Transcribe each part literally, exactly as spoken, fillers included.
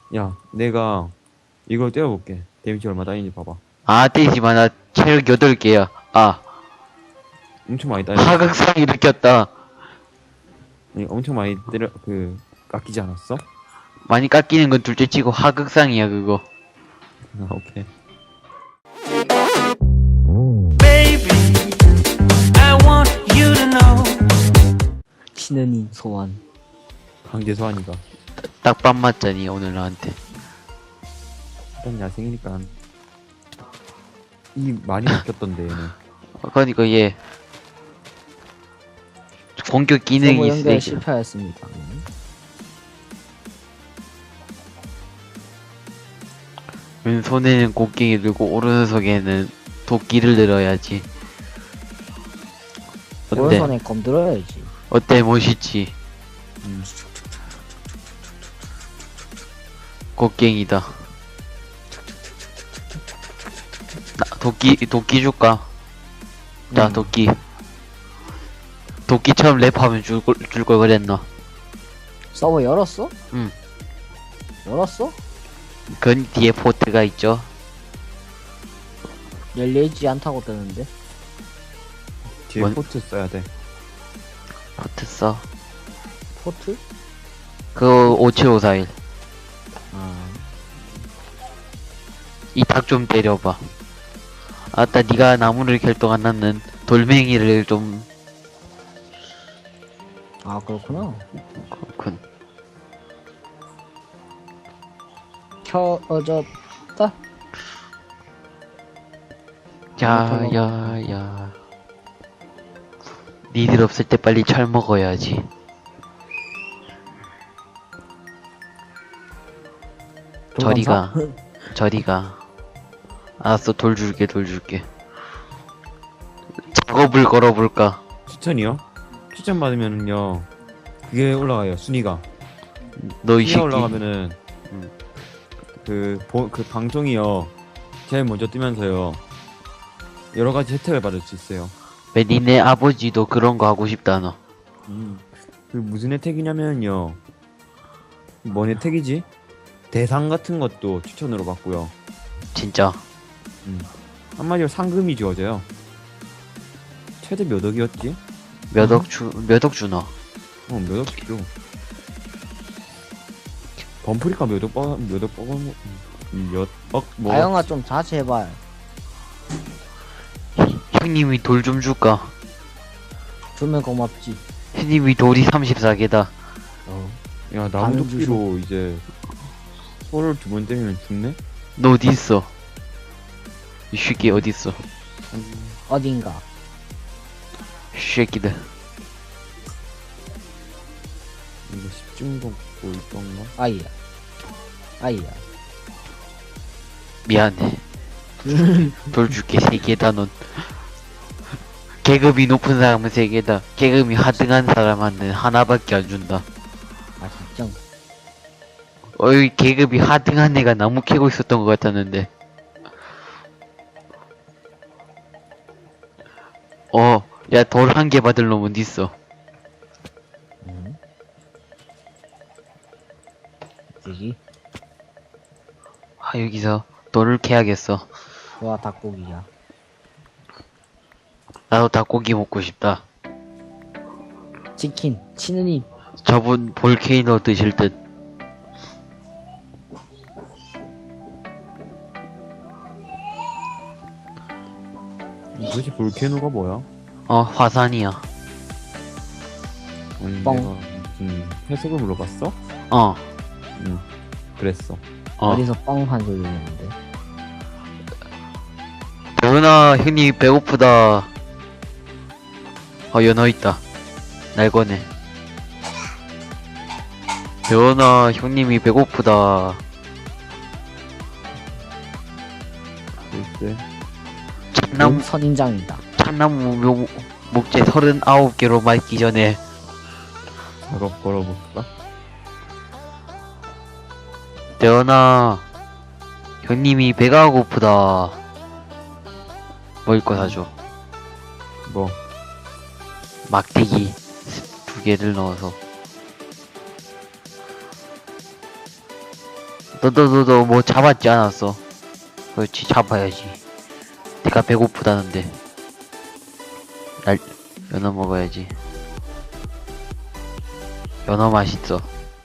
야, 내가 이걸 때려볼게. 데미지 얼마 따이는지 봐봐. 아, 때리지마. 나 체력 여덟 개야. 아, 엄청 많이 따여. 하극상이 느꼈다. 아니, 엄청 많이 때려, 그, 깎이지 않았어? 많이 깎이는 건 둘째 치고 하극상이야, 그거. 아, 오케이. Baby, I want you to know. 치느님 소환. 강제 소환이가. 딱밥 맞자니, 오늘 나한테. 일단 야생이니까. 이 많이 바뀌었던데, 얘는. 어, 그러니까 얘 공격 기능이 서버 연결 있어. 실패하였습니다. 왼손에는 곡괭이 들고 오른손에는 도끼를 들어야지. 어때? 오른손에 검 들어야지. 어때? 멋있지? 음. 곡괭이다. 나 도끼 도끼 줄까? 자, 음. 도끼. 도끼처럼 랩하면 줄걸 줄걸 그랬나? 서버 열었어? 응. 열었어? 그 뒤에 포트가 있죠. 열리지 않다고 뜨는데. 뒤에 뭔- 포트 써야 돼. 포트 써. 포트? 그 오칠오사일. 아. 이 닭 좀 때려봐. 아따, 네가 나무를 결동 안 났는 돌멩이를 좀. 아 그렇구나. 그렇군. 켜졌다. 야야야. 니들 없을 때 빨리 철 먹어야지. 저리가. 저리가. 알았어, 돌 줄게, 돌 줄게. 작업을 걸어볼까? 추천이요? 추천 받으면은요, 그게 올라가요, 순위가. 너 이 순위가 새끼. 올라가면은, 음. 그, 보, 그 방송이요, 제일 먼저 뜨면서요, 여러 가지 혜택을 받을 수 있어요. 왜 니네 아버지도 그런 거 하고 싶다, 너. 음. 그 무슨 혜택이냐면요, 뭔 혜택이지? 대상 같은 것도 추천으로 받고요. 진짜. 한마디로 상금이 주어져요. 최대 몇 억이었지? 몇 억 주, 몇 억 주나? 어, 몇 억 주. 범프리카 몇 억 빠, 몇억 빠, 몇 억, 뭐. 아영아 좀 자제해봐. 형님이 돌 좀 줄까? 주면 고맙지. 형님이 돌이 삼십사 개다. 어. 야, 반은 나무도끼로 이제, 소를 두 번 때리면 죽네? 너 어디 있어? 이 새끼 어디 있어? 어딘가. 이 새끼들. 이거 십중독 뭐 있던가? 아이야. 아이야. 미안해. 돌 줄게 세 개다 넌. 계급이 높은 사람은 세 개다. 계급이 하등한 사람한테는 하나밖에 안 준다. 아 진짜. 어이, 계급이 하등한 애가 나무 캐고 있었던 것 같았는데. 어, 야, 돌 한 개 받을 놈 어디 있어? 음. 되지. 아, 여기서 돌을 캐야겠어. 좋아 닭고기야. 나도 닭고기 먹고 싶다. 치킨. 치느님. 저분 볼케이노 드실 듯. 도대체 볼케노가 뭐야? 어, 화산이야. 아니, 뻥. 내가 무슨 해석을 물어봤어? 어, 응, 그랬어. 어. 어디서 뻥한 소리 내는데. 대훈아, 형님 배고프다. 어, 연어 있다. 날 거네. 대훈아, 형님이 배고프다. 글쎄. 참나무, 선인장이다. 참나무 묘, 목재 서른아홉 개로 말기 전에. 작업 걸어볼까? 대훈아, 형님이 배가 고프다. 먹을 거 사줘. 뭐, 막대기 두 개를 넣어서. 너도 너도 뭐 잡았지 않았어? 그렇지 잡아야지. 내가 배고프다는데. 날 연어 먹어야지. 연어 맛있어.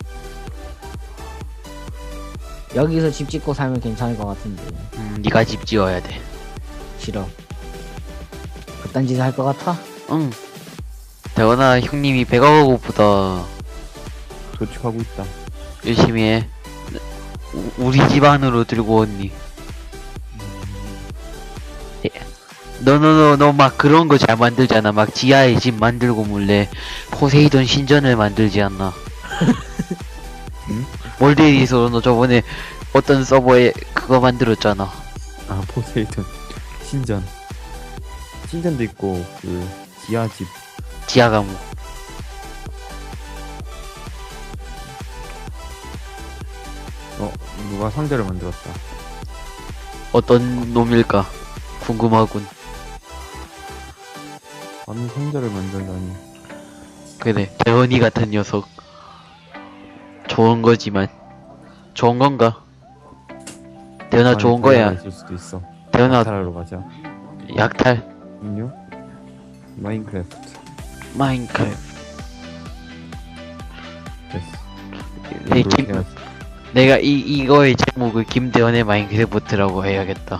여기서 집 짓고 살면 괜찮을 것 같은데. 음, 네가 집 지어야 돼. 싫어. 그딴 짓을 할 것 같아? 응. 대원아 형님이 배가 고프다. 도축하고 있다. 열심히 해. 우- 우리 집 안으로 들고 왔니? 너 너 너 너 막 그런 거 잘 만들잖아. 막 지하에 집 만들고 몰래 포세이돈 신전을 만들지 않나? 응? 몰데이서 너 저번에 어떤 서버에 그거 만들었잖아. 아 포세이돈 신전. 신전도 있고 그 지하집. 지하 감옥. 어 누가 상자를 만들었다. 어떤 놈일까? 궁금하군. 아니 상자를 만들다니. 그래, 대원이 같은 녀석. 좋은 거지만. 좋은 건가? 대원아 아니, 좋은 다이아가 거야. 있을 수도 있어. 대원아 타라로 가자. 약탈. 음료. 마인크래프트. 마인크래프트. 됐어. 네, 이렇게 김, 해야지. 내가 이, 이거의 제목을 김대원의 마인크래프트라고 해야겠다.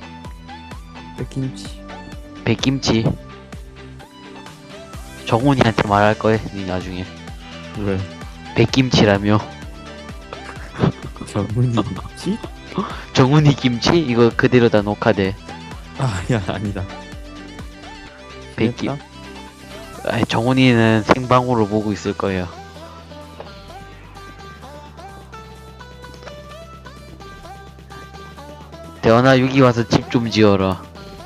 백김치. 백김치. 정훈이한테 말할 거야, 니 나중에. 왜? 백김치라며. 전문이 김치? 정훈이 김치? 이거 그대로 다 녹화돼. 아야 아니다. 백김. 됐다? 아이, 정훈이는 생방으로 보고 있을 거야. 대원아, 여기 와서 집 좀 지어라.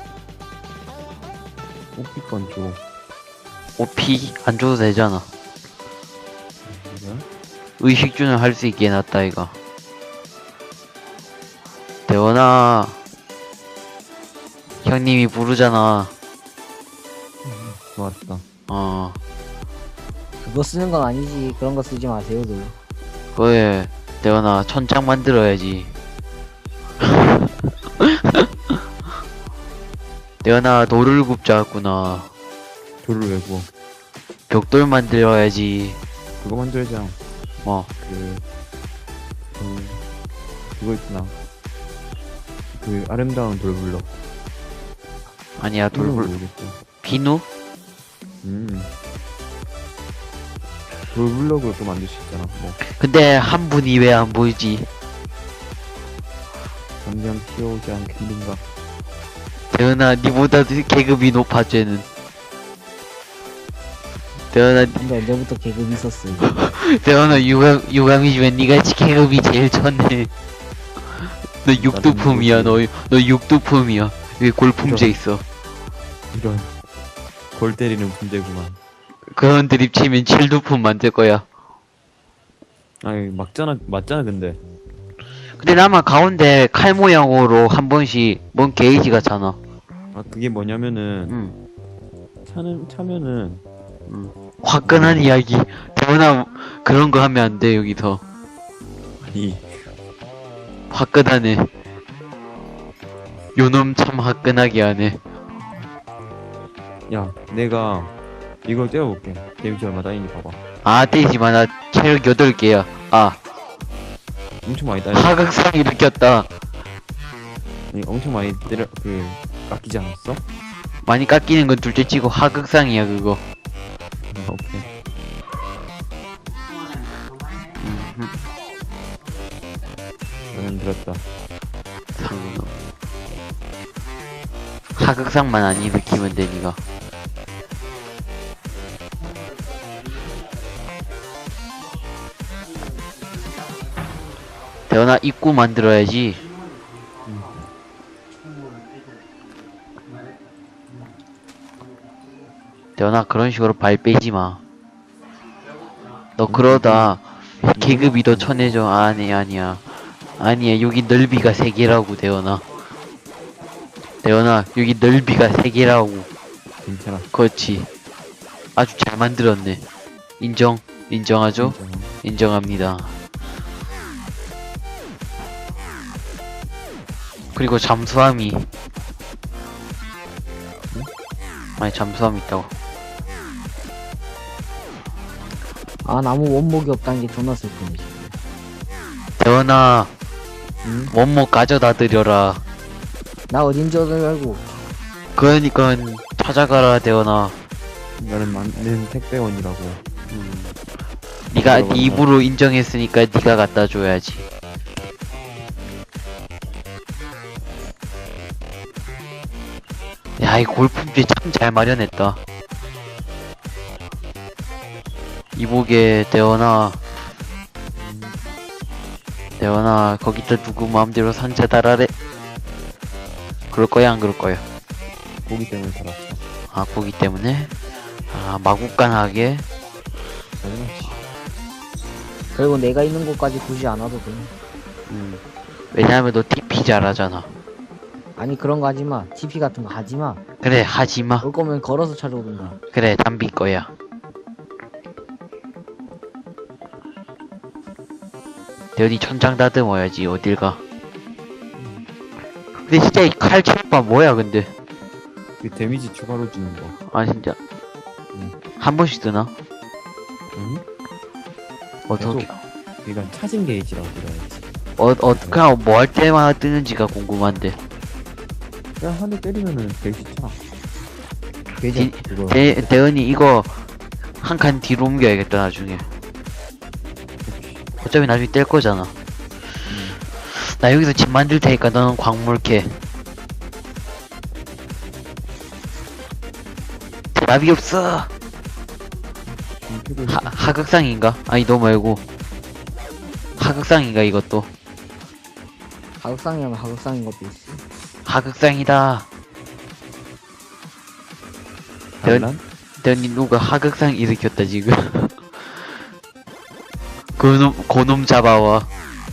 오피건 줘. 오피 안 줘도 되잖아. 그래? 의식주는 할 수 있게 해놨다, 이거. 대원아. 형님이 부르잖아. 좋았다. 어. 그거 쓰는 건 아니지. 그런 거 쓰지 마세요, 너. 그래. 대원아, 천장 만들어야지. 대원아, 돌을 굽자꾸나. 돌을 왜 구워? 벽돌 만들어야지. 그거 만들자. 뭐. 그, 그, 그거 있구나. 그 아름다운 돌블럭. 아니야, 돌불. 모르겠어. 비누? 음. 돌블럭으로 또 만들 수 있잖아. 뭐 근데 한 분이 왜 안 보이지? 당장 튀어오지 않겠는가. 대현아, 니보다 계급이 높아, 쟤는. 대현아, 근데 언제부터 계급이 있었어? 대현아, 유감, 유감이지만 니가 계급이 제일 쳤네. 너 육두품이야, 너, 너 육두품이야. 여기 골품제 있어. 이런 골 때리는 문제구만. 그런 드립 치면 칠두품 만들 거야. 아니 맞잖아 맞잖아 근데. 근데 나만 가운데 칼 모양으로 한 번씩 뭔 게이지 같잖아. 아 그게 뭐냐면은 응, 차는 차면은 응. 화끈한 이야기. 대현아, 그런 거 하면 안 돼, 여기서. 아니 화끈하네. 요놈 참 화끈하게 하네. 야 내가 이걸 떼어볼게. 데미지 얼마 따이니 봐봐. 아, 떼지마. 나 체력 여덟 개야. 아, 엄청 많이 따이. 하극상이 느꼈다. 아니, 엄청 많이 때려 그 깎이지 않았어? 많이 깎이는 건 둘째 치고 하극상이야, 그거. 아, 오케이. 음흠. 나는 들었다. 상... 하극상만 안 일으키면 돼, 니가. 대현아, 입구 만들어야지. 대현아, 그런 식으로 발 빼지 마. 너 그러다 계급이 더 쳐내줘. 아니, 아니야. 아니야, 여기 넓이가 세 개라고, 대현아. 대현아, 여기 넓이가 세 개라고. 괜찮아. 그렇지. 아주 잘 만들었네. 인정. 인정하죠? 괜찮아. 인정합니다. 그리고 잠수함이 아니 잠수함 있다고. 아 나무 원목이 없다는 게 존나 슬프네. 대원아 응? 원목 가져다 드려라. 나 어딘 줄 알고. 그러니까 찾아가라 대원아. 나는 맞는 택배원이라고. 음. 네가 네 입으로 인정했으니까 네가 갖다 줘야지. 야, 이 골프비 참 잘 마련했다. 이보게 대원아. 대원아, 거기다 누구 마음대로 산채 달아래. 그럴 거야, 안 그럴 거야? 고기 때문에 살았어. 아, 고기 때문에? 아, 마구간하게? 당연하지. 그리고 내가 있는 곳까지 굳이 안 와도 돼. 음. 왜냐하면 너 티피 잘하잖아. 아니 그런 거 하지 마. 티피 같은 거 하지 마. 그래, 하지 마. 올 거면 걸어서 찾아오든가. 그래, 담비 거야. 대현이 천장 다듬어야지, 어딜 가. 근데 진짜 이 칼 체육바 뭐야, 근데. 그 데미지 추가로 주는 거. 아, 진짜. 응. 한 번씩 뜨나? 응? 어떻게, 이건 차징 게이지라고 그래야지. 어, 어, 그냥 뭐 할 때마다 뜨는지가 궁금한데. 그냥 한 대 때리면은 게이지 차. 게이지 디- 그거. 대, 대현이 이거 한 칸 뒤로 옮겨야겠다, 나중에. 어차피 나중에 뗄 거잖아. 나 여기서 집 만들 테니까 너는 광물 캐. 대답이 없어. 좀 피고 있어. 하, 하극상인가? 아니 너 말고 하극상인가 이것도. 하극상이면 하극상인 것도 있어. 하극상이다. 대현, 반란? 대현이 누가 하극상 일으켰다 지금. 그놈 고놈 잡아와.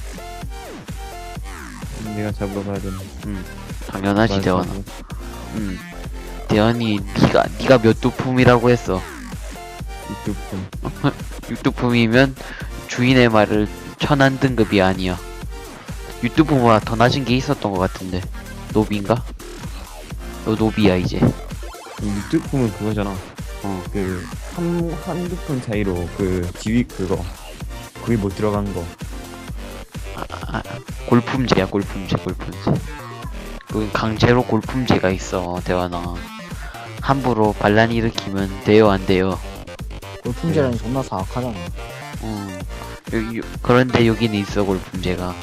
내가 잡으러 가야 되는. 음 당연하지 대원아. 음 대현이 니가 니가 몇 두품이라고 했어. 유튜브. 육두품이면 주인의 말을 천한 등급이 아니야. 육두품보다 더 낮은 게 있었던 것 같은데. 노비인가? 너 노비야 이제. 유튜브는 그거잖아. 어. 그 한 한두 푼 차이로 그 지위 그거. 그게 못 들어간 거. 아, 골품제야 골품제 골품제. 그 강제로 골품제가 있어 대환아. 함부로 반란 일으키면 돼요 안 돼요? 골품제라니 존나 사악하잖아. 음. 요, 요, 그런데 여기는 있어 골품제가.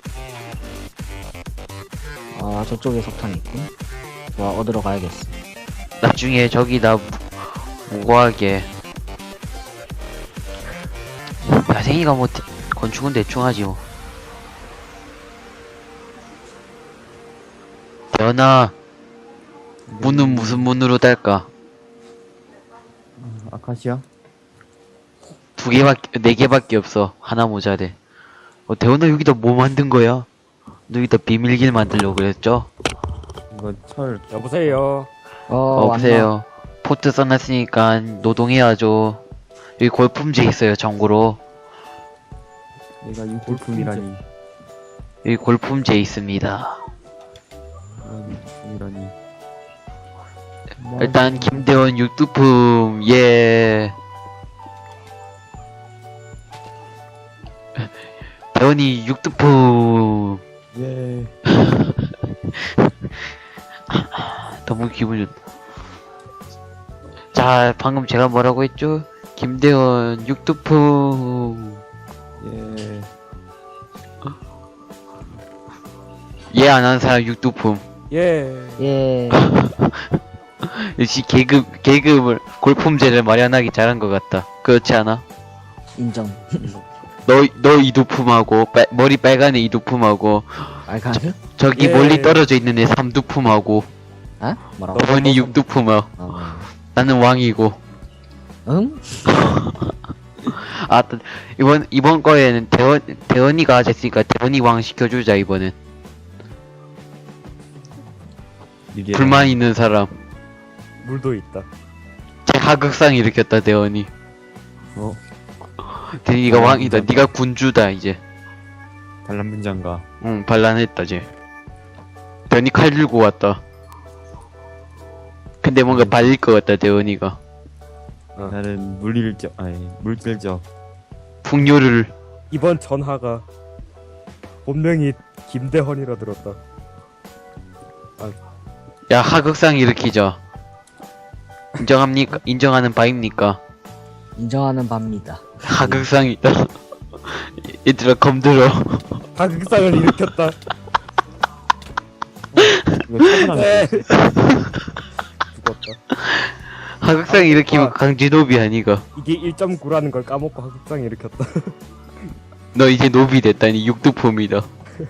아 저쪽에 석탄이 있군. 좋아 얻으러 가야겠어. 나중에 저기다 무- 무고하게. 야생이가 뭐 대- 건축은 대충 하지 뭐. 대현아 문은 무슨 문으로 달까? 아카시아? 두 개밖에 네 개밖에 없어. 하나 모자래. 어 대현아 여기다 뭐 만든 거야? 너 여기다 비밀길 만들려고 그랬죠? 이거 철. 여보세요. 어, 어 왔나? 보세요. 포트 써놨으니까 노동해야죠. 여기 골품제 있어요 참고로. 내가 유튜브이라니. 여기 골품제 있습니다. 이라니. 일단 김대원 육두품 예. 대원이 육두품. 예. 너무 기분 좋다. 자 방금 제가 뭐라고 했죠? 김대원 육두품. 예. 예 안 하는 사람 육두품. 예. 예. 역시 계급 계급을 골품제를 마련하기 잘한 것 같다. 그렇지 않아? 인정. 너 너 이두품하고 빨- 머리 빨간 애 이두품하고 알카드? 저기 예. 멀리 떨어져 있는 애 삼두품하고 아? 뭐라고? 너번이 육두품하고 어. 나는 왕이고. 응? 아 또 이번 이번 거에는 대원 대원이가 됐으니까 대원이 왕 시켜주자 이번엔. 이게 불만 있는 사람. 물도 있다. 제 하극상 일으켰다 대원이. 어 대원이가 어, 왕이다. 진짜. 네가 군주다 이제. 반란 분장가. 응 반란했다 쟤. 대원이 칼 들고 왔다. 근데 뭔가 발릴 것 같다, 대원이가. 나는 물일적 아니 물질적 풍요를. 이번 전화가 본명이 김대헌이라 들었다. 야, 하극상 일으키자. 인정합니까? 인정하는 바입니까? 인정하는 바입니다. 하극상이다. 얘들아, 검들어. 하극상을 일으켰다. 이거 차분하게 죽었다. 하극상 일으키면 강제노비 아니가. 이게 일 점 구라는 걸 까먹고 하극상 일으켰다. 너 이제 노비 됐다니 육두폼이다.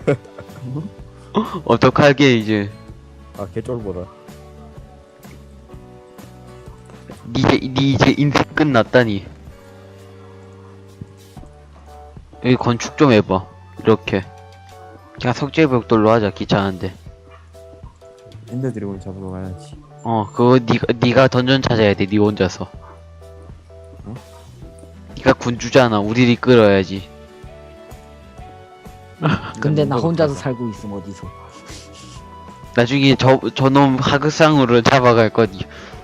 어떡하게 이제. 아 개쫄보다. 니 이제, 니 이제 인생 끝났다니. 여기 건축 좀 해봐. 이렇게. 그냥 석재벽돌로 하자. 귀찮은데. 엔더 드래곤 잡으러 가야지. 어, 그거 니가, 니가 던전 찾아야 돼. 니 혼자서. 어? 니가 군주잖아. 우리를 끌어야지. 근데 나 혼자서 살고 있음 어디서? 나중에 저, 저놈 하극상으로 잡아갈 거니.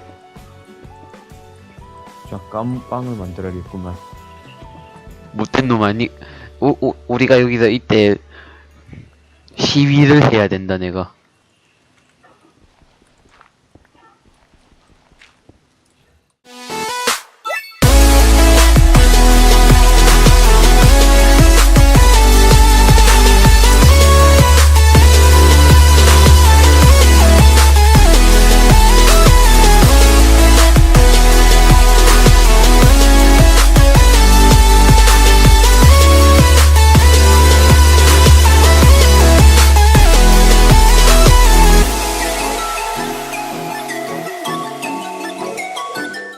자 깜빵을 만들어야겠구만. 못된 놈 아니, 우, 우, 우리가 여기서 이때 시위를 해야 된다, 내가.